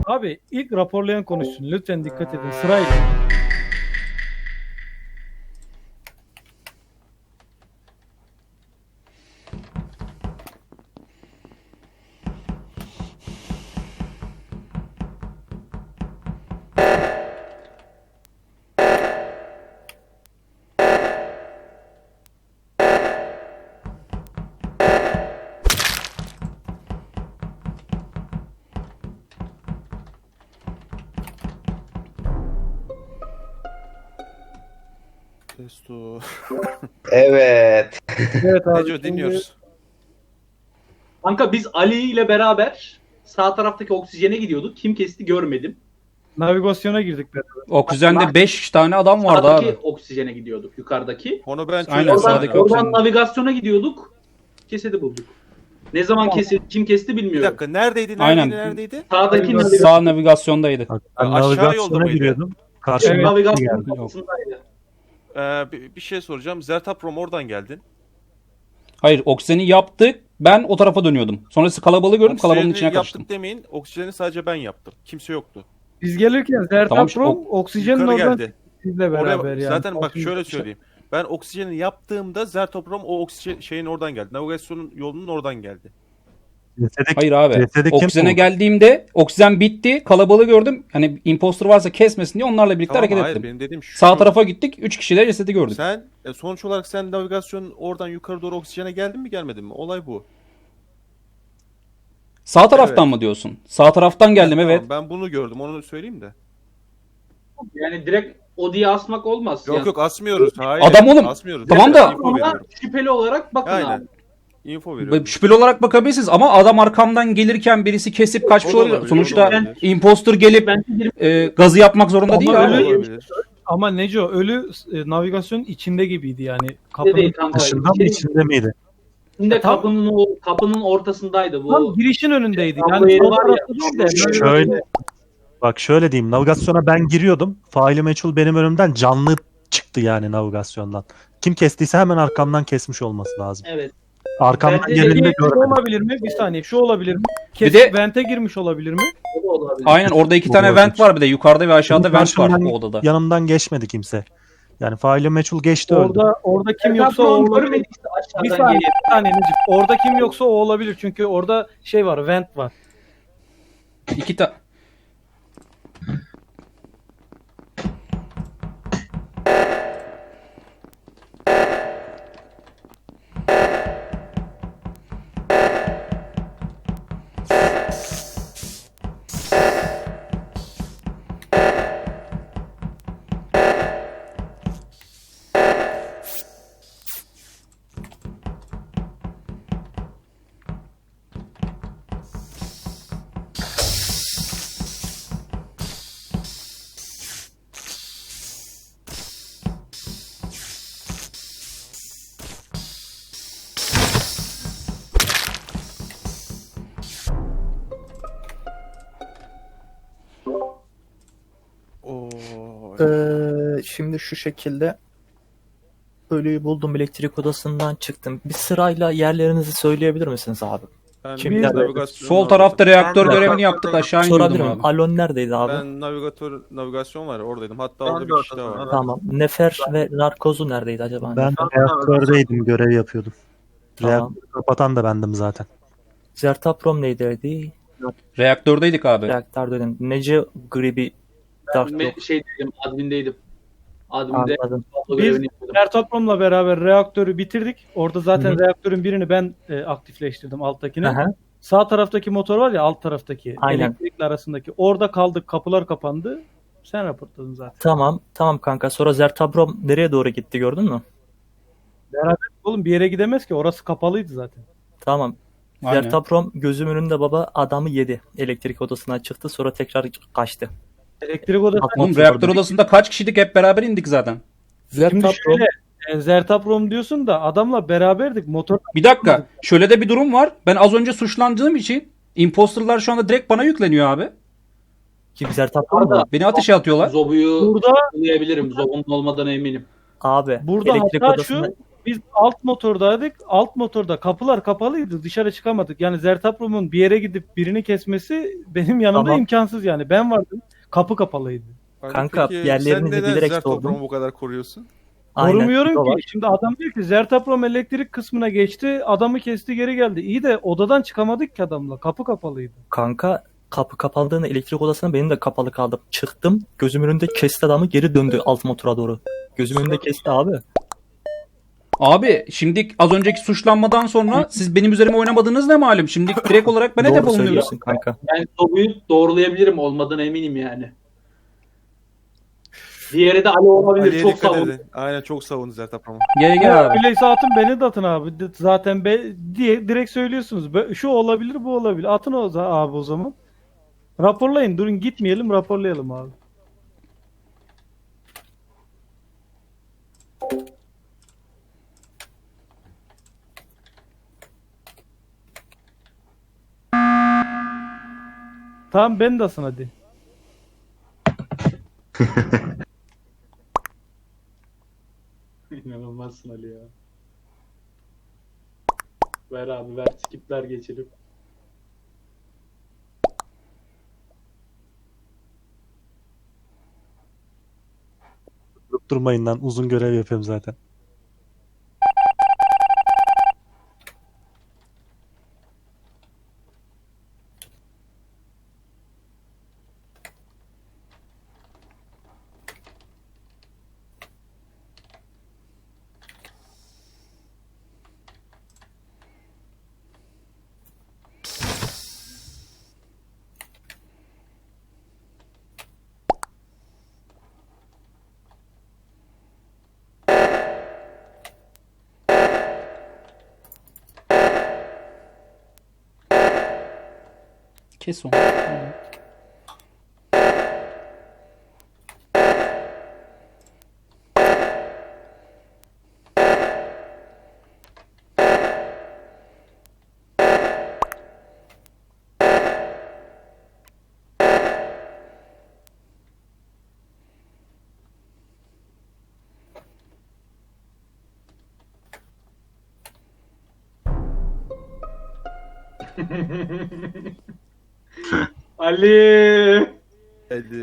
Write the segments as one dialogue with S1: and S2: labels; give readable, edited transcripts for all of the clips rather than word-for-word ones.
S1: Abi ilk raporlayan konuşsun. Lütfen dikkat edin sırayla.
S2: Testo.
S3: Evet.
S1: Evet abi.
S2: Neco dinliyoruz.
S4: Kanka biz Ali ile beraber sağ taraftaki oksijene gidiyorduk. Kim kesti görmedim.
S1: Navigasyona girdik beraber.
S5: Oksijende 5 tane adam vardı
S4: Sağdaki
S5: abi.
S4: oksijene gidiyorduk, yukarıdaki.
S2: Onu ben
S5: Aynen,
S2: çözdüm.
S5: sağdaki
S2: abi.
S5: oksijen.
S4: Oradan navigasyona gidiyorduk. Cesedi bulduk. Ne zaman kesildi, kim kesti
S2: Bir
S4: bilmiyorum.
S2: dakika neredeydi?
S5: Aynen.
S2: Neredeydi?
S4: Sağdaki
S5: Sağ navigasyondaydı.
S6: Bak, ben
S2: Aşağı yolda
S6: navigasyona
S2: mıydı?
S6: giriyordum. Karşıma
S1: Evet.
S4: navigasyonun
S6: geldi.
S4: kapısındaydı.
S2: Bir şey soracağım. Zertaprom oradan geldin.
S5: Hayır, oksijeni yaptık. Ben o tarafa dönüyordum. Sonrası kalabalığı gördüm. Kalabalığın
S2: Oksijeni
S5: içine karıştım.
S2: yaptık demeyin. Oksijeni sadece ben yaptım. Kimse yoktu.
S1: Biz gelirken
S5: Tamam,
S1: Zertaprom oksijenin
S2: Yukarı
S1: oradan
S2: geldi.
S1: sizle
S2: Oraya,
S1: beraber yani.
S2: zaten bak şöyle söyleyeyim. Ben oksijeni yaptığımda Zertoprom o oksijen şeyin oradan geldi. Navigasyonun yolunun oradan geldi.
S5: Hayır abi.
S6: Cesedi kim
S5: Oksijene
S6: buldu?
S5: geldiğimde oksijen bitti. Kalabalığı gördüm. Hani imposter varsa kesmesin diye onlarla birlikte
S2: Tamam,
S5: hareket
S2: hayır
S5: ettim.
S2: benim dediğim şu.
S5: Sağ tarafa gittik. 3 kişi de cesedi gördük.
S2: Sen sonuç olarak sen navigasyonun oradan yukarı doğru oksijene geldin mi gelmedin mi? Olay bu.
S5: Sağ taraftan
S2: Evet.
S5: mı diyorsun? Sağ taraftan geldim,
S2: Tamam,
S5: evet.
S2: ben bunu gördüm. Onu söyleyeyim de.
S4: Yani direkt o diye asmak olmaz.
S2: Yok
S4: yani.
S2: yok asmıyoruz. Hayır.
S5: Adam oğlum.
S2: Asmıyoruz.
S5: Tamam da-
S2: info
S4: Ama
S2: veriyorum.
S4: şüpheli olarak bakın
S2: Aynen.
S4: abi.
S2: Info veriyorum.
S5: Şüpheli olarak bakabilirsiniz ama adam arkamdan gelirken birisi kesip kaçmış
S2: O da
S5: olabilir.
S2: olabilir,
S5: Sonuçta
S2: o da olabilir.
S5: imposter gelip
S4: Bence
S5: gazı yapmak zorunda
S1: Ama
S5: değil
S1: öyle-
S5: abi.
S2: Olabilir.
S1: Ama Neco ölü navigasyonun içinde gibiydi yani.
S4: değil
S1: Kapının
S4: kanka.
S6: Dışında mı içinde miydi?
S4: İçinde
S1: Tam-
S4: kapının ortasındaydı bu.
S1: tam girişin önündeydi.
S4: Tam
S1: Yani
S4: bu yeri
S1: sol
S4: var ya,
S1: tarafta değil de böyle-
S6: Şöyle. Bak şöyle diyeyim. Navigasyona ben giriyordum. Faili meçhul benim önümden canlı çıktı yani navigasyondan. Kim kestiyse hemen arkamdan kesmiş olması lazım.
S4: Evet.
S6: Arkamdan
S4: Bence de
S6: geleni de
S1: Şu
S6: görmedim.
S1: olabilir mi? Bir saniye. Şu olabilir mi? Kesip
S5: de-
S1: vente girmiş olabilir mi?
S4: O da olabilir.
S5: Aynen, orada 2 tane
S6: Olabilir.
S5: vent var bir de. Yukarıda ve aşağıda
S6: Benim
S5: vent var
S6: karşımdan-
S5: o odada.
S6: Yanımdan geçmedi kimse. Yani faili meçhul geçti öldü.
S1: Orada kim yoksa o
S4: Zertaprom
S1: olabilir.
S4: görmediyse
S1: Bir
S4: aşağıdan
S1: saniye,
S4: geliyor.
S1: bir saniye Necip. Orada kim yoksa o olabilir. Çünkü orada şey var, vent var.
S5: 2 tane.
S2: Oo.
S7: Şimdi şu şekilde ölüyü buldum, elektrik odasından çıktım. Bir sırayla yerlerinizi söyleyebilir misiniz abi?
S2: Ben
S7: Kim
S2: navigasyon
S5: Sol tarafta reaktör
S3: Ben de-
S5: görevini yaptık, aşağı
S7: Sorabilir
S5: iniyordum
S7: miyim?
S5: abi.
S7: Alon neredeydi abi?
S2: Ben navigasyon var oradaydım. Hatta
S3: Ben
S2: orada
S3: de
S2: bir kişi daha
S3: ortadayım,
S2: var.
S3: evet.
S7: Tamam. Nefer ve narkozu neredeydi acaba?
S6: Ben reaktördeydim, görev yapıyordum.
S7: Tamam.
S6: Reaktörü kapatan da bendim zaten.
S7: Zertaprom neydiydi?
S5: Reaktördeydik abi.
S7: Reaktör dedim. Nece Gribi Dark yok.
S4: Admindeydim. Adminde
S7: Anladım.
S4: tablo
S1: Biz
S4: görevini yapıyordum.
S1: Zertapром'la beraber reaktörü bitirdik. Orada zaten
S7: Hı hı.
S1: reaktörün birini ben aktifleştirdim, alttakini.
S7: Aha.
S1: Sağ taraftaki motor var ya, alt taraftaki.
S7: Aynen.
S1: Elektrikli arasındaki. Orada kaldık. Kapılar kapandı. Sen raportladın zaten.
S7: Tamam. Tamam kanka. Sonra Zertaprom nereye doğru gitti gördün mü?
S1: Oğlum bir yere gidemez ki. Orası kapalıydı zaten.
S7: Tamam.
S5: Aynen.
S7: Zertaprom gözüm önünde baba adamı yedi. Elektrik odasından çıktı sonra tekrar kaçtı.
S1: Elektrik odası.
S5: Oğlum reaktör odasında kaç kişiydik, hep beraber indik zaten.
S1: Şimdi
S7: Zertaprom
S1: şöyle Zertaprom diyorsun da adamla beraberdik. Motor
S5: Bir dakika, şöyle de bir durum var. Ben az önce suçlandığım için imposterlar şu anda direkt bana yükleniyor abi.
S7: kim Zertaprom mu?
S4: Orada
S5: Beni ateşe atıyorlar.
S4: Zobu'yu
S1: burada
S4: bulabilirim. Zobu'nun olmadan eminim.
S7: Abi
S1: Burada
S7: elektrik
S1: hatta
S7: odasında
S1: Biz alt motordaydık. Alt motorda kapılar kapalıydı. Dışarı çıkamadık. Yani Zertaprom'un bir yere gidip birini kesmesi benim yanımda
S7: Tamam.
S1: imkansız yani. Ben vardım. Kapı kapalıydı.
S7: Kanka,
S2: peki
S7: yerlerinizi
S2: sen neden
S7: bilerek
S2: Zertoprom'u
S7: sordum.
S2: bu kadar koruyorsun?
S7: Aynen,
S1: Korumuyorum
S7: o
S1: ki.
S7: var.
S1: Şimdi adam diyor ki Zertaprom elektrik kısmına geçti. Adamı kesti geri geldi. İyi de odadan çıkamadık ki adamla. Kapı kapalıydı.
S7: Kanka kapı kapandığında elektrik odasına benim de kapalı kaldım. Çıktım. Gözümün önünde kesti adamı, geri döndü alt motora doğru. Gözümün önünde kesti abi.
S5: Abi şimdi az önceki suçlanmadan sonra siz benim üzerime oynamadığınız ne malum? Şimdi direkt olarak ben hedef
S7: Doğru
S5: olunuyorum.
S7: söylüyorsun kanka.
S4: Ben Zobu'yu doğrulayabilirim, olmadığına eminim yani. Diğeri de Ali olabilir.
S2: Ali'ye
S4: Çok
S2: dikkat
S4: savun.
S2: edin. Aynen çok savundu Zertoprom'u.
S5: Gel abi.
S1: Öyleyse atın beni de atın abi. Zaten diye direkt söylüyorsunuz. Şu olabilir bu olabilir. Atın abi o zaman. Raporlayın. Durun gitmeyelim raporlayalım abi. Tamam ben de asın hadi.
S4: İnanılmazsın Ali ya. Ver abi ver. Skipler geçelim.
S6: Durup durmayın lan. Uzun görev yapıyorum zaten.
S5: Kes onu.
S4: Ali.
S2: Hadi.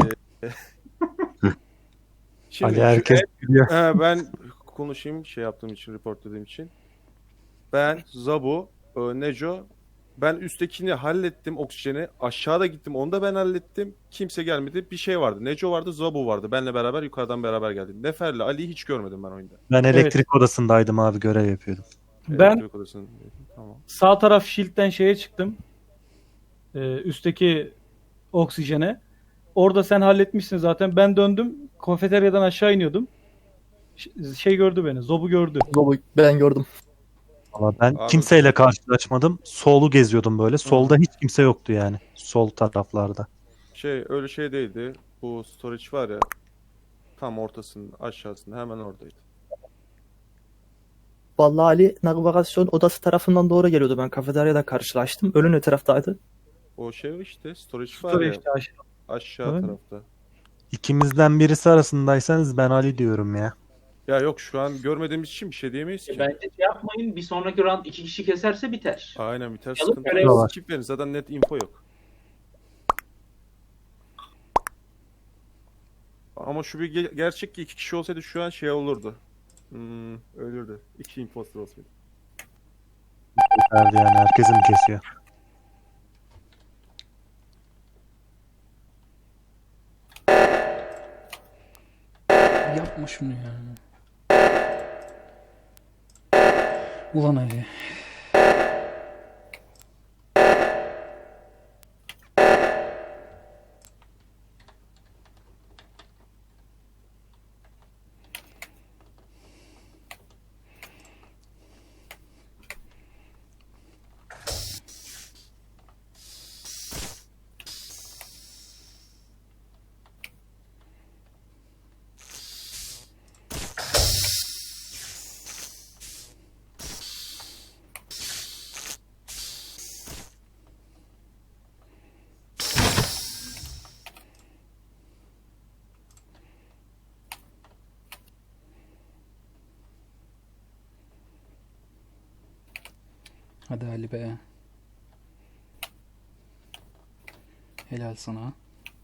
S2: Şimdi
S6: Ali herkes biliyor.
S2: ben konuşayım şey yaptığım için, report dediğim için. Ben, Zabu, Neco, ben üsttekini hallettim oksijeni. Aşağıda gittim onu da ben hallettim. Kimse gelmedi. Bir şey vardı. Neco vardı, Zabu vardı. Benle beraber yukarıdan beraber geldik. Nefer'le Ali'yi hiç görmedim ben oyunda.
S6: Ben elektrik odasındaydım abi, görev yapıyordum.
S1: Ben
S2: Elektrik odasında. Tamam.
S1: sağ taraf shield'den şeye çıktım. Üstteki oksijene. Orada sen halletmişsin zaten. Ben döndüm. Kafeteryadan aşağı iniyordum. Şey gördü beni. Zobu gördü.
S7: Zobu ben gördüm.
S6: Ama ben
S2: Abi-
S6: kimseyle karşılaşmadım. Solu geziyordum böyle. Solda hiç kimse yoktu yani. Sol taraflarda.
S2: Öyle şey değildi. Bu storage var ya. Tam ortasında, aşağısında hemen oradaydı.
S7: Vallahi Ali navigasyon odası tarafından doğru geliyordu. Ben kafeteryada karşılaştım. Ölü ne taraftaydı?
S2: O şey işte storage var
S1: Sonra
S2: ya
S1: işte aşağı.
S2: aşağı
S1: Evet.
S2: tarafta.
S6: İkimizden birisi arasındaysanız ben Ali diyorum ya.
S2: Ya yok şu an görmediğimiz için bir şey diyemeyiz ki.
S4: Bence şey yapmayın. Bir sonraki round 2 kişi keserse biter.
S2: Aynen biter
S4: Yalıp
S2: sıkıntı
S4: görev
S2: yok.
S6: var.
S2: Skip verin zaten net info yok. Ama şu bir gerçek ki 2 kişi olsaydı şu an şey olurdu. Ölürdü. 2 imposter olsaydı.
S6: Verdi yani, herkesin kesiyor.
S5: Yapma şunu ya. Ulan Ali. Hadi Ali be. Helal sana.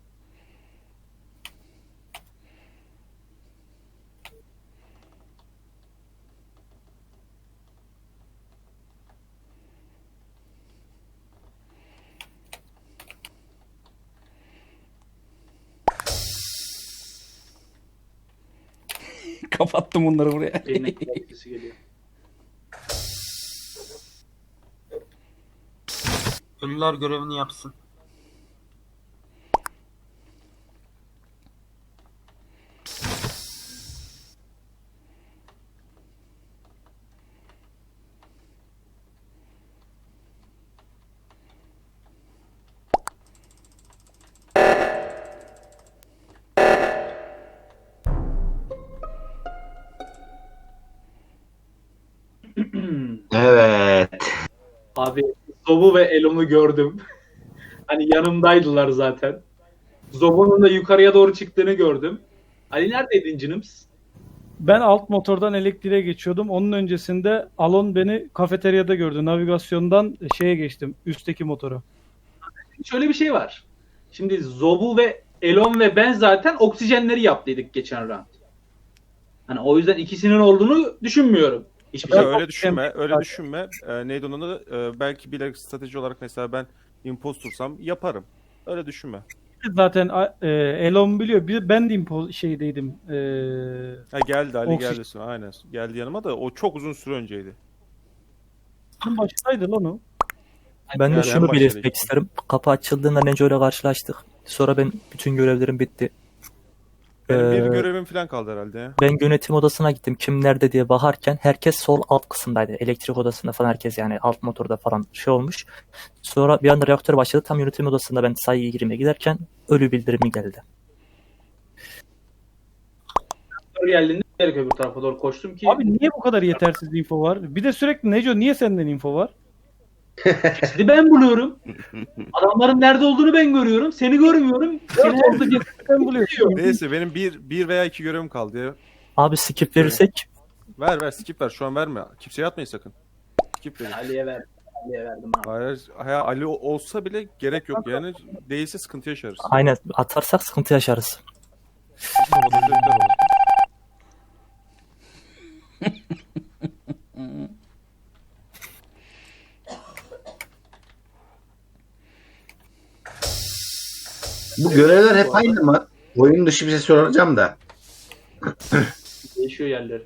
S5: Kapattım bunları buraya.
S4: Benim sesi geliyor.
S8: Ölüler görevini yapsın.
S3: Evet.
S4: Abi Zobu ve Elon'u gördüm. Hani yanımdaydılar zaten. Zobu'nun da yukarıya doğru çıktığını gördüm. Ali neredeydin canımız?
S1: Ben alt motordan elektriğe geçiyordum. Onun öncesinde Alon beni kafeteryada gördü. Navigasyondan şeye geçtim. Üstteki motora.
S4: Şöyle bir şey var. Şimdi Zobu ve Elon ve ben zaten oksijenleri yaptıydık geçen round. Hani o yüzden ikisinin olduğunu düşünmüyorum. Hiçbir
S2: Ya
S4: şey.
S2: öyle düşünme, öyle düşünme. Neydi onun adı? Belki bilerek strateji olarak mesela ben impostursam yaparım. Öyle düşünme.
S1: Zaten Elon biliyor. Ben de şeydeydim.
S2: Ha geldi, Ali
S1: Oksijen-
S2: geldi sonra. Aynen. Geldi yanıma da o çok uzun süre önceydi.
S1: başındaydı lan o.
S7: Ben de
S2: Yani en
S7: şunu
S2: başta
S7: belirtmek
S2: değil.
S7: isterim. Kapı açıldığında Neco ile karşılaştık. Sonra ben bütün görevlerim bitti.
S2: Benim bir
S7: Ee,
S2: görevim falan kaldı herhalde ya.
S7: Ben yönetim odasına gittim. Kim nerede diye bakarken herkes sol alt kısımdaydı. Elektrik odasında falan herkes yani alt motorda falan şey olmuş. Sonra bir anda reaktör başladı. Tam yönetim odasında ben sayıya girmeye giderken ölü bildirimi geldi.
S4: Doğru geldiğinde direkt öbür tarafa doğru koştum ki
S1: Abi niye bu kadar yetersiz info var? Bir de sürekli Neco niye senden info var?
S4: cesedi ben buluyorum. Adamların nerede olduğunu ben görüyorum. Seni görmüyorum. Seni
S1: Orada sen buluyorsun.
S2: Neyse benim bir veya iki görevim kaldı ya.
S7: Abi skip verirsek
S2: Ver skip ver şu an verme. Kimseye atmayın sakın. Skip verin.
S4: Ali'ye verdim. Ali'ye verdim abi.
S2: Hayır, Ali olsa bile gerek yok yani. Değilse sıkıntı yaşarız.
S7: aynen atarsak sıkıntı yaşarız.
S2: Sabotajörler olur.
S3: Bu görevler hep aynı mı? Oyun dışı bir şey soracağım da.
S4: Değişiyor yerleri.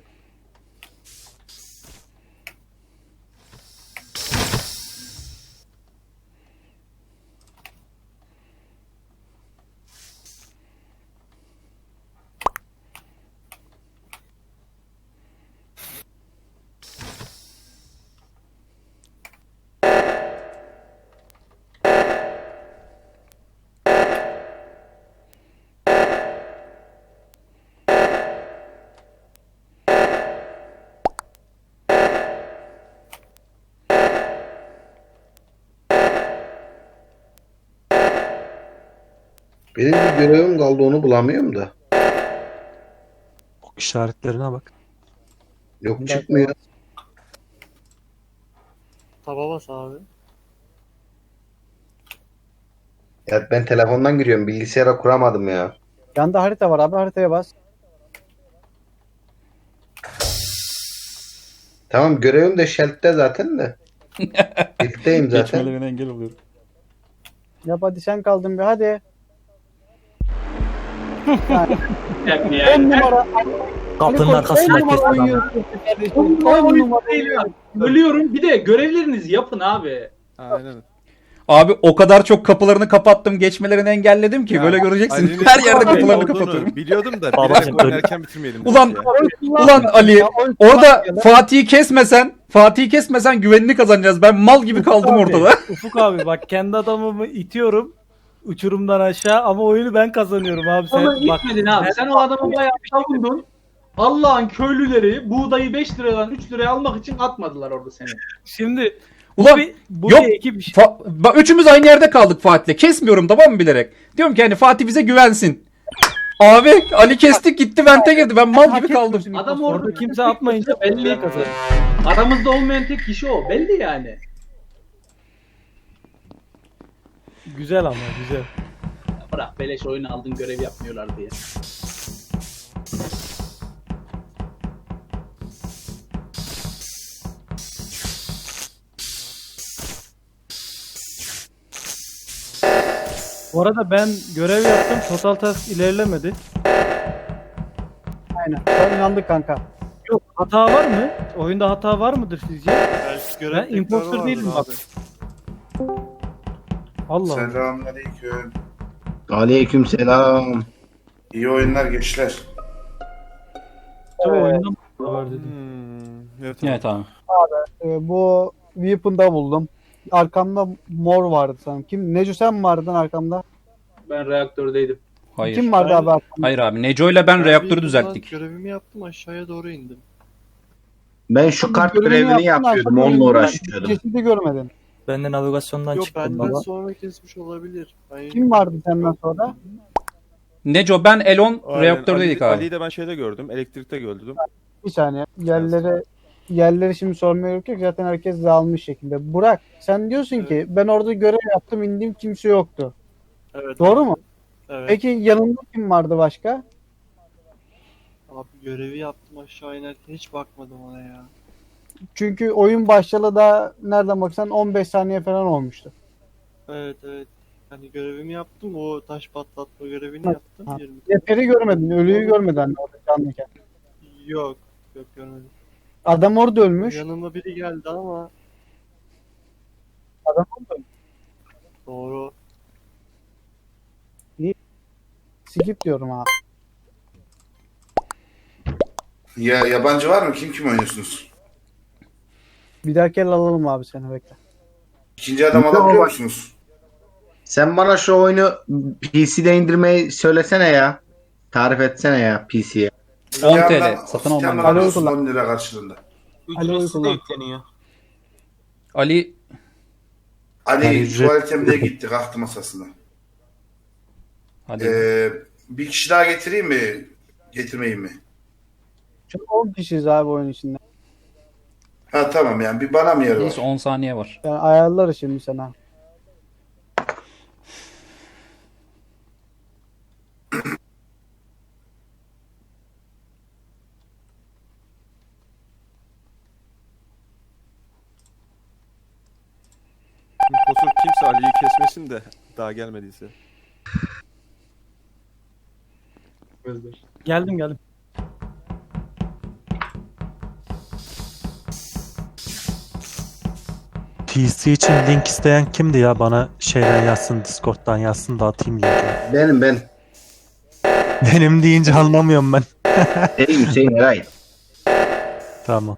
S3: Benim bir görevim kaldı onu bulamıyorum da.
S6: Ok işaretlerine bak.
S3: Yok çıkmıyor.
S9: Taba bas abi.
S3: Ya ben telefondan giriyorum. Bilgisayara kuramadım ya.
S9: Yanda harita var abi, haritaya bas.
S3: Tamam görevim de Shelt'te zaten de. Birlikteyim zaten.
S5: Geçmelerine engel oluyorum.
S9: Yap hadi, sen kaldın bir hadi.
S4: Yani,
S9: En numara.
S7: Kapının arkasında
S9: En
S7: herkes
S9: numara
S7: adam.
S9: oynuyorsun kardeşim.
S4: On numara
S9: En
S4: oyun
S9: numara
S4: değil ya.
S9: oynuyorsun.
S4: Ölüyorum. Bir de görevlerinizi yapın abi.
S2: Aynen.
S5: Abi o kadar çok kapılarını kapattım, geçmelerini engelledim ki
S2: Ya,
S5: böyle göreceksin.
S2: Ali'nin
S5: Her yerde
S2: Ali'nin
S5: kapılarını
S2: olduğunu
S5: kapatıyorum.
S2: biliyordum da
S7: Babacım,
S2: bilerek oynarken bitirmeyelim.
S5: Ulan,
S2: dedik ya.
S5: Ulan Ali,
S9: Ya, oyun
S5: orada
S9: kullanmıyor lan.
S5: Fatih'i kesmesen güvenini kazanacağız. Ben mal gibi kaldım
S1: Abi,
S5: ortada.
S1: Ufuk abi bak kendi adamımı itiyorum uçurumdan aşağı ama oyunu ben kazanıyorum abi.
S4: Ama
S1: Sen bak
S4: gitmedin abi. Sen o adamı bayağı savundun. Allah'ın köylüleri buğdayı 5 liradan 3 liraya almak için atmadılar orada seni.
S1: şimdi
S5: Ulan
S1: bu
S5: yok.
S1: bir ekip işi.
S5: Üçümüz aynı yerde kaldık Fatih'le. Kesmiyorum tamam mı bilerek. Diyorum ki hani Fatih bize güvensin. Abi Ali kestik gitti vente girdi. Ben mal gibi kaldım.
S4: Adam
S1: Orada kimse atmayınca
S4: belli.
S1: kazanıyor.
S4: Aramızda olmayan tek kişi o. Belli yani.
S1: Güzel ama güzel.
S4: Bırak beleş oyun aldın görev yapmıyorlar diye.
S1: Bu arada ben görev yaptım. Total task ilerlemedi.
S9: Aynen. Sen inandık kanka.
S1: Yok, hata var mı? Oyunda hata var mıdır sizce?
S10: Belki görev
S1: Ben imposter
S10: tekrarı
S1: değilim
S10: vardır
S1: bak. Allah Allah.
S10: Selamünaleyküm.
S3: Aleyküm selam.
S10: İyi oyunlar gençler.
S1: Tabii oyundan var dedim.
S2: Evet,
S5: Evet abi.
S9: Bu Weapon'da buldum. Arkamda mor vardı sanırım. Kim? Neco sen mi vardın arkamda?
S4: Ben reaktördeydim.
S5: Hayır.
S9: Kim vardı abi arkamda?
S5: Hayır abi. Neco ile ben reaktörü düzelttik.
S10: Görevimi yaptım, aşağıya doğru indim.
S3: Ben şu kart görevini yapıyordum. Onunla uğraşıyordum.
S9: Cesedi görmedin.
S7: Ben de navigasyondan
S10: Yok,
S7: çıktım
S10: benden
S7: baba.
S10: sonra kesmiş olabilir. Ben
S9: Kim vardı senden sonra?
S5: Neco, ben, Elon
S2: Aynen.
S5: reaktördeydik abi.
S2: Ali'yi de ben şeyde gördüm. Elektrikte gördüm.
S9: Bir saniye. Yerleri şimdi sormaya gerek yok. Zaten herkes dağılmış şekilde. Burak sen diyorsun ki ben orada görev yaptım indim kimse yoktu.
S10: Evet.
S9: Doğru mu?
S10: Evet.
S9: Peki yanında kim vardı başka?
S10: Abi görevi yaptım, aşağı inerken hiç bakmadım ona ya.
S9: Çünkü oyun başlayalı da nereden baksan 15 saniye falan olmuştu.
S10: Evet. Hani görevimi yaptım, o taş patlatma görevini
S9: Ha,
S10: yaptım.
S9: ha.
S10: 20.
S9: Zeferi görmedin, ölüyü görmedin hani orada canlıyken.
S10: Yok görmedim.
S9: Adam orada ölmüş.
S10: Yanıma biri geldi ama
S9: Adam orada ölmüş.
S10: doğru.
S9: Skip diyorum abi.
S10: Ya yabancı var mı? Kim oynuyorsunuz?
S9: Bir dahaki el alalım abi seni bekle.
S10: İkinci adam alabiliyor musunuz?
S3: Sen bana şu oyunu PC'de indirmeyi söylesene ya. Tarif etsene ya PC'ye.
S5: 10 TL satın alman lazım.
S10: alıyorsun 10 lira karşılığında.
S8: Ücretsiz de yükleniyor.
S5: Ali
S10: Ali
S6: Yani ücret-
S10: tuvalete mi diye gitti, kalktı masasına.
S5: hadi.
S10: Bir kişi daha getireyim mi? Getirmeyeyim mi?
S9: Çünkü 10 kişiyiz abi oyun içinde.
S10: Ha tamam, yani bir bana mı yer var?
S5: Neyse 10 saniye var.
S9: Yani ayarlarız şimdi sana.
S2: Impostor kimse Ali'yi kesmesin de daha gelmediyse.
S1: Geldim.
S6: PC için link isteyen kimdi ya? Bana şeyden yazsın, Discord'dan yazsın da atayım linki.
S3: Ben.
S6: Benim deyince anlamıyorum ben.
S3: Ey Hüseyin Eray.
S6: Tamam.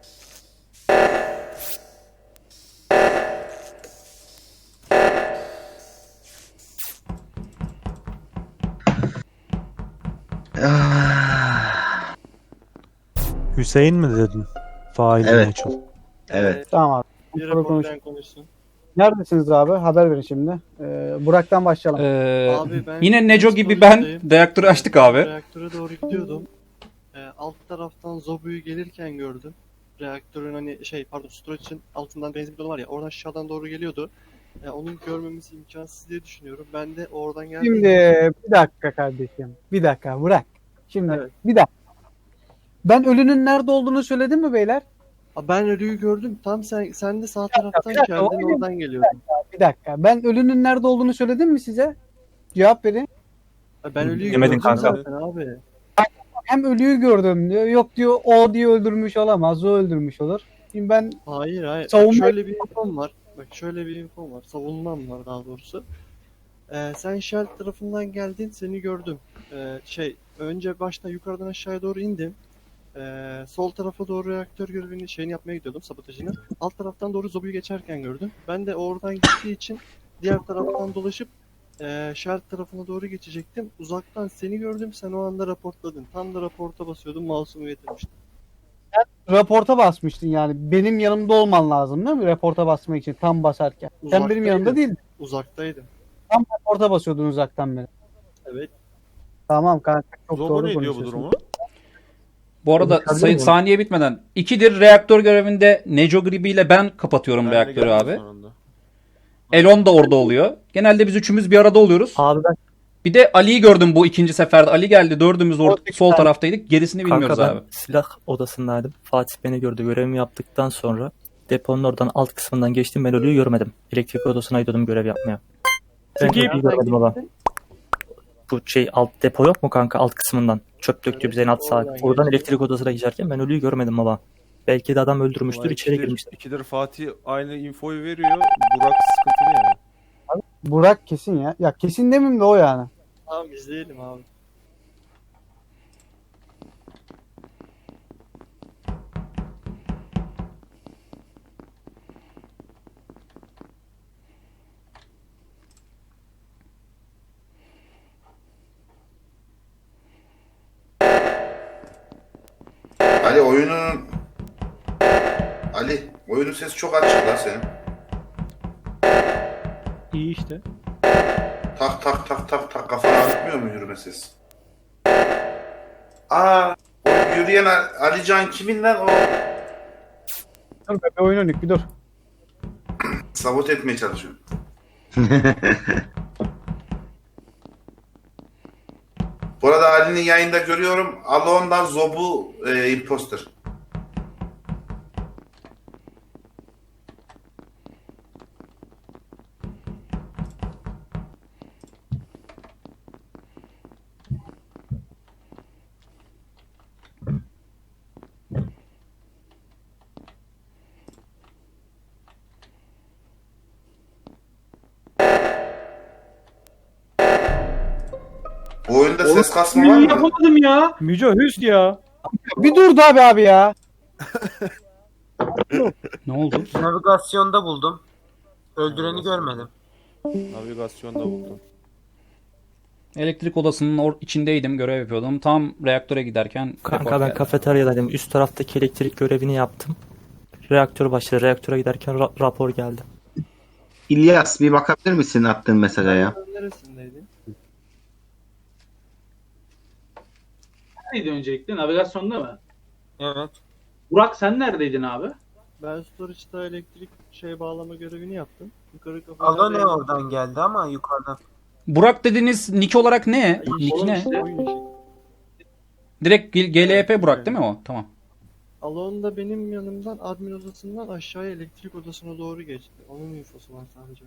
S3: Ah,
S6: Hüseyin mi dedin? Fail
S3: Evet.
S6: meçhul.
S3: evet.
S9: Tamam abi.
S10: Bir
S9: Sonra konuş.
S10: reportlayan konuşsun.
S9: Neredesiniz abi? Haber verin şimdi. Burak'tan başlayalım.
S10: Abi ben
S5: Yine Neco gibi ben
S10: psikolojideyim.
S5: reaktörü açtık abi.
S10: Reaktöre doğru gidiyordum. Alt taraftan Zobu'yu gelirken gördüm. Reaktörün hani storage'ın altından benzin bidonu var ya, oradan aşağıdan doğru geliyordu. Onun görmemiz imkansız diye düşünüyorum. Ben de oradan geldim.
S9: Şimdi bir dakika kardeşim. Bir dakika Burak. Şimdi
S10: Evet.
S9: bir dakika. Ben ölünün nerede olduğunu söyledim mi beyler?
S10: Ben ölüyü gördüm. Tam sen de sağ taraftan
S9: bir dakika,
S10: geldin,
S9: oyun-
S10: oradan geliyordun.
S9: Bir dakika. Ben ölünün nerede olduğunu söyledim mi size? Cevap verin.
S10: Ben ölüyü
S7: Demedin
S10: gördüm
S7: kanka.
S10: zaten abi.
S9: Hem ölüyü gördüm diyor. Yok diyor o diye öldürmüş olamaz. O öldürmüş olur. Şimdi ben
S10: Hayır. Bak,
S9: Savunma-
S10: şöyle bir infom var. Savunmam var daha doğrusu. Sen Shell tarafından geldin, seni gördüm. Önce baştan yukarıdan aşağıya doğru indim. Sol tarafa doğru reaktör görevini yapmaya gidiyordum, sabotajını. Alt taraftan doğru Zobu'yu geçerken gördüm. Ben de oradan gittiği için diğer taraftan dolaşıp Shell tarafına doğru geçecektim. Uzaktan seni gördüm, sen o anda raportladın. Tam da raporta basıyordum, mouse'umu getirmiştim.
S9: raporta basmıştın yani. Benim yanımda olman lazım değil mi? Raporta basmak için tam basarken. Sen benim
S10: Uzaktaydım.
S9: yanımda değildin.
S10: Uzaktaydım.
S9: Tam raporta basıyordun uzaktan beri.
S10: Evet.
S9: Tamam kanka çok
S2: Zobo
S9: doğru
S2: ne diyor bu
S9: konuşuyorsun.
S2: durumu?
S5: Bu arada
S9: Tabii mi?
S5: saniye bitmeden. 2'dir reaktör görevinde Neco Gribi ile ben kapatıyorum
S2: Ben de
S5: reaktörü
S2: geldim
S5: abi.
S2: sonunda.
S5: Elon da orada oluyor. Genelde biz üçümüz bir arada oluyoruz.
S7: Abi ben
S5: Bir de Ali'yi gördüm bu ikinci seferde. Ali geldi. Dördümüz sol taraftaydık. Gerisini bilmiyoruz
S7: kanka ben
S5: abi.
S7: silah odasındaydım. Fatih beni gördü. Görevimi yaptıktan sonra deponun oradan alt kısmından geçtim. Ben ölüyü görmedim. Elektrik odasına gidiyordum görev yapmaya. Ben
S1: Peki-
S7: ölüyü görmedim baba. Bu alt depo yok mu kanka alt kısmından? Çöp döktü bize en alt sağ. Oradan elektrik odasına geçerken ben ölüyü görmedim baba. Belki de adam öldürmüştür, içeri girmiştir.
S2: İkidir Fatih aynı infoyu veriyor. Burak sıkıntılı yani.
S9: Burak kesin ya. Ya kesin demeyeyim de o yani.
S10: Tamam izleyelim abi.
S11: Ali oyunun sesi çok açık lan senin.
S1: İyi işte.
S11: Tak tak tak tak tak kafana atmıyor mu yürüme sesi? Aa, o yürüyen Alican kimin lan o?
S9: Dur be, bir oyun oynadık bir dur.
S11: Sabote etmeye çalışıyor. Bu arada Ali'nin yayında görüyorum. Alon'dan Zobu imposter. Bu oyunda ses kasma var
S4: Oğlum,
S11: mı?
S4: yapamadım ya.
S1: Müco hüst ya.
S9: Bir dur da abi ya.
S5: Ne oldu?
S8: Navigasyonda buldum. Öldüreni görmedim.
S2: Navigasyonda buldum.
S5: Elektrik odasının içindeydim. Görev yapıyordum. Tam reaktöre giderken
S7: Kanka
S5: report
S7: ben
S5: geldi.
S7: kafeteryadaydım. Üst taraftaki elektrik görevini yaptım. Reaktör başladı. Reaktöre giderken rapor geldi.
S3: İlyas bir bakabilir misin attığın mesaja ya?
S10: Neresindeydin?
S4: Neydi öncelikle? Navigasyonda mı?
S8: Evet.
S4: Burak sen neredeydin abi?
S10: Ben storage'da elektrik bağlama görevini yaptım. Yukarı
S8: Alo ne
S10: kafede
S8: oradan geldi ama yukarıdan.
S5: Burak dediğiniz nick olarak ne? Nick
S4: Oğlum
S5: ne?
S4: işte.
S10: oyun işi.
S5: Direkt GLP Burak değil mi o? Tamam.
S10: Alon da benim yanımdan admin odasından aşağıya elektrik odasına doğru geçti. Onun infosu var sadece.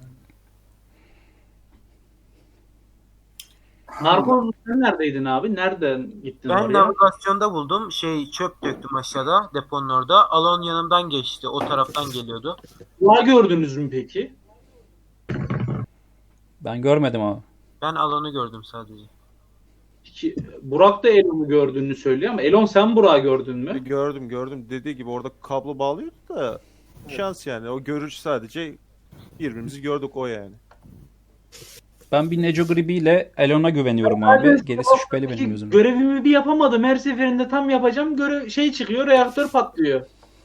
S4: Narkoz sen neredeydin abi? Nereden gittin
S8: Ben
S4: oraya?
S8: navigasyonda buldum. Çöp döktüm aşağıda deponun orada. Alon yanımdan geçti. O taraftan geliyordu.
S4: Burak'ı gördünüz mü peki?
S5: Ben görmedim abi.
S8: Ben Alon'u gördüm sadece.
S4: Burak da Elon'u gördüğünü söylüyor ama Elon sen Burak'ı gördün mü?
S2: Gördüm. Dediği gibi orada kablo bağlıyordu da şans yani. O görüş sadece birbirimizi gördük o yani.
S5: Ben bir Neco Gribi ile Elon'a güveniyorum abi. Gerisi şüpheli benim gözümde.
S4: Görevimi bir yapamadım. Her seferinde tam yapacağım. Çıkıyor, reaktör patlıyor.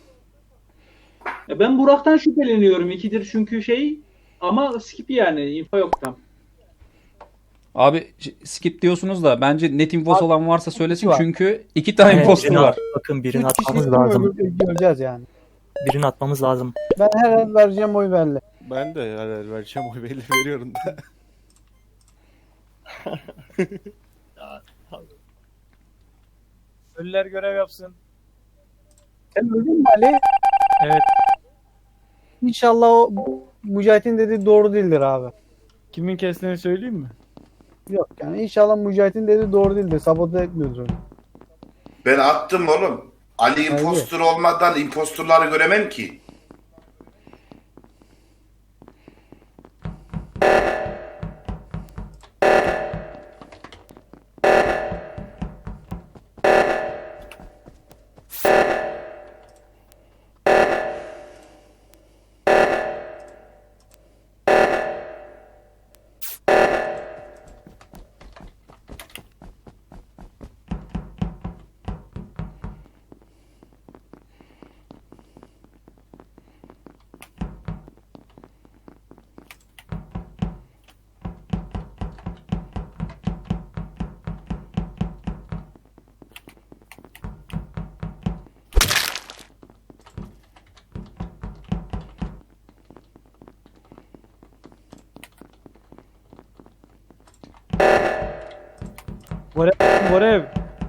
S4: Ben Burak'tan şüpheleniyorum. İkidir çünkü ama skip yani. Info yok tam.
S5: Abi skip diyorsunuz da bence net infosu olan varsa söylesin
S9: var.
S5: çünkü 2 tane
S7: Evet,
S5: imposter var.
S7: Bakın birini
S9: Üç kişi
S7: atmamız
S9: kim
S7: lazım.
S9: göreceğiz yani.
S7: Birini atmamız lazım.
S9: Ben her an vereceğim oy belli.
S2: Ben de yani vereceğim oy belli veriyorum da.
S1: Ölüler görev yapsın.
S9: Sen öldün mü Ali?
S1: Evet.
S9: İnşallah o Mücahit'in dediği doğru değildir abi.
S1: Kimin kestiğini söyleyeyim mi?
S9: Yok yani inşallah Mücahit'in dediği doğru değildir. Sabote etmiyordur onu.
S11: Ben attım oğlum. Ali impostor olmadan impostorları göremem ki.
S1: Görev.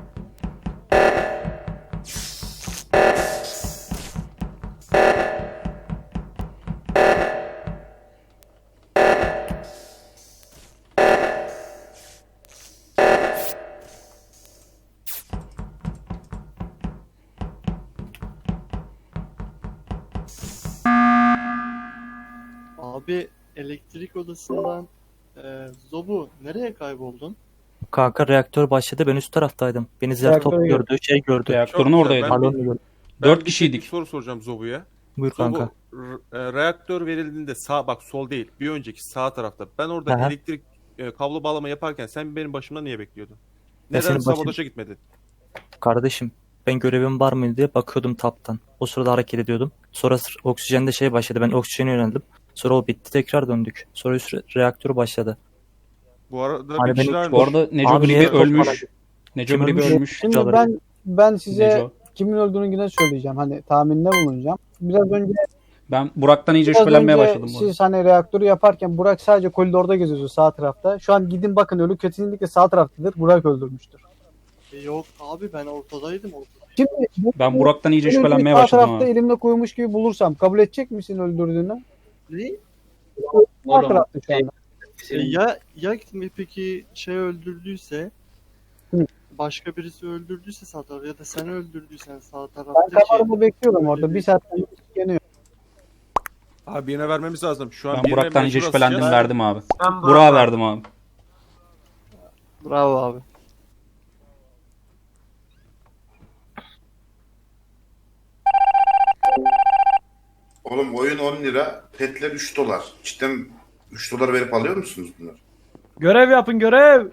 S10: Abi elektrik odasından Zobu nereye kayboldun?
S7: Kanka reaktör başladı. Ben üst taraftaydım. Beni Zertop
S1: Reaktöre
S7: gördü. Şey gördü.
S5: Reaktörün
S2: Çok
S5: oradaydı.
S2: güzel.
S7: Alon'u gördü.
S2: Ben
S5: 4
S2: bir
S5: kişiydik.
S2: soru soracağım Zobu'ya.
S7: Buyur
S2: Zobu,
S7: kanka.
S2: reaktör verildiğinde sağ bak sol değil. Bir önceki sağ tarafta. Ben orada
S7: Aha.
S2: elektrik kablo bağlama yaparken sen benim başımda niye bekliyordun?
S7: Ben
S2: Neden
S7: senin başın-
S2: sabotaja gitmedin?
S7: Kardeşim ben görevim var mı diye bakıyordum taptan. O sırada hareket ediyordum. Sonra oksijende şey başladı. Ben oksijene yöneldim. Sonra o bitti, tekrar döndük. Sonra üst reaktör başladı.
S2: Bu arada
S7: Hani
S2: bir kişi
S7: beni-
S2: daha
S5: Bu arada Neco
S7: Abi
S5: Gribi
S7: niye
S5: ölmüş. Neco
S7: Kim
S5: Gribi
S7: ölmüş?
S5: ölmüş.
S9: Şimdi
S7: Hocaları.
S9: ben size
S5: Neco.
S9: kimin öldüğünü yine söyleyeceğim. Hani tahminde bulunacağım.
S5: Ben Burak'tan iyice
S9: Biraz
S5: şüphelenmeye
S9: önce
S5: başladım. bu arada.
S9: siz hani reaktörü yaparken Burak sadece koridorda geziyordu sağ tarafta. Şu an gidin bakın ölü kesinlikle sağ taraftadır. Burak öldürmüştür.
S10: Yok abi ben ortadaydım.
S9: Şimdi
S5: Ben Burak'tan iyice
S9: ölüyü
S5: şüphelenmeye
S9: sağ
S5: başladım
S9: tarafta
S5: abi.
S9: elimle koymuş gibi bulursam kabul edecek misin öldürdüğünü?
S10: Ne?
S9: Sağ
S4: Oğlum,
S9: tarafta şu anda.
S10: Ya peki şey öldürdüyse
S9: Hı.
S10: başka birisi öldürdüyse sağ tarafta ya da sen öldürdüysen sağ
S9: Ben
S10: taraftaki
S9: kamerada bekliyorum orada. Bir saatten geliyor.
S2: Abi birine vermemiz lazım. Şu an
S5: Ben
S2: birine
S5: Burak'tan iyice
S2: mecbur
S5: şüphelendim,
S2: asacağız.
S5: verdim abi.
S8: Ben
S5: Burak'a verdim abi.
S10: bravo abi.
S11: Oğlum oyun 10 lira, petler 3 dolar. Cidden 3 dolar verip alıyor musunuz bunları?
S1: Görev yapın görev.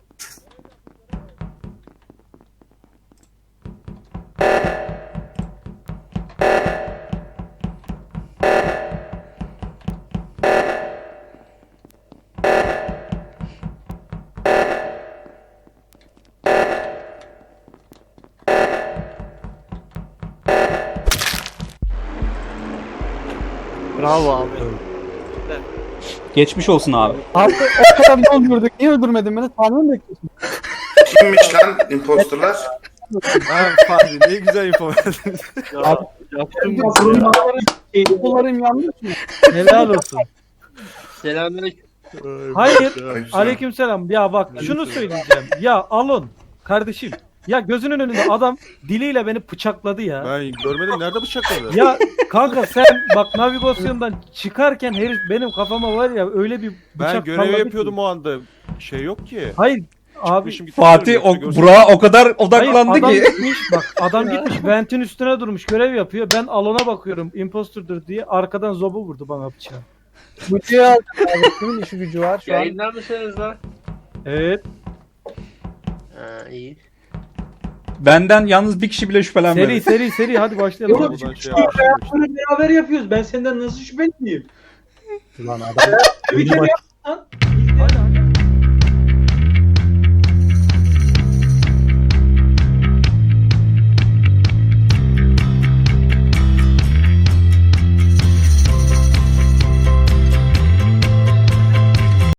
S10: Bravo abi.
S5: Geçmiş olsun abi.
S9: Abi o kadar ne öldürdük? Niye öldürmedin beni? Tahmin mi bekliyorsun?
S11: Kimmiş lan imposterlar?
S2: Ha Fahri ne güzel info verdin.
S10: Yaptım.
S9: Bunların yanlış mı?
S1: Helal olsun.
S10: Selamünaleyküm.
S1: Hayır.
S11: Aleykümselam.
S1: Aleykümselam. Ya bak şunu söyleyeceğim. Ya Alon kardeşim. Ya gözünün önünde adam diliyle beni bıçakladı ya.
S2: Ben görmedim nerede bıçakladı?
S1: Ya kanka sen bak navigasyondan çıkarken herif benim kafama var ya öyle bir bıçak
S2: Ben görev
S1: salladı
S2: yapıyordum
S1: ki.
S2: o anda. Şey yok ki.
S1: Hayır abi.
S2: Çıkmışım, gitmişim,
S5: Fatih
S2: yoksa
S5: o
S2: görsem-
S5: Burak'a o kadar
S1: Hayır,
S5: odaklandı
S1: adam
S5: ki.
S1: gitmiş bak adam gitmiş ventin üstüne durmuş görev yapıyor. Ben Alon'a bakıyorum impostordur diye arkadan Zobu vurdu bana bıçağı.
S9: Bıçağı aldım abi. Kimin işi gücü var şu an?
S8: Yayınlar mısınız lan?
S1: Evet.
S8: Ha iyi.
S5: Benden yalnız bir kişi bile şüphelenmedi.
S1: Seri hadi başlayalım.
S4: Oğlum,
S2: Buradan şey yapmışım.
S4: Bunu beraber yapıyoruz. Ben senden nasıl şüpheliyim?
S1: Lan adam
S4: Bir kere yap lan.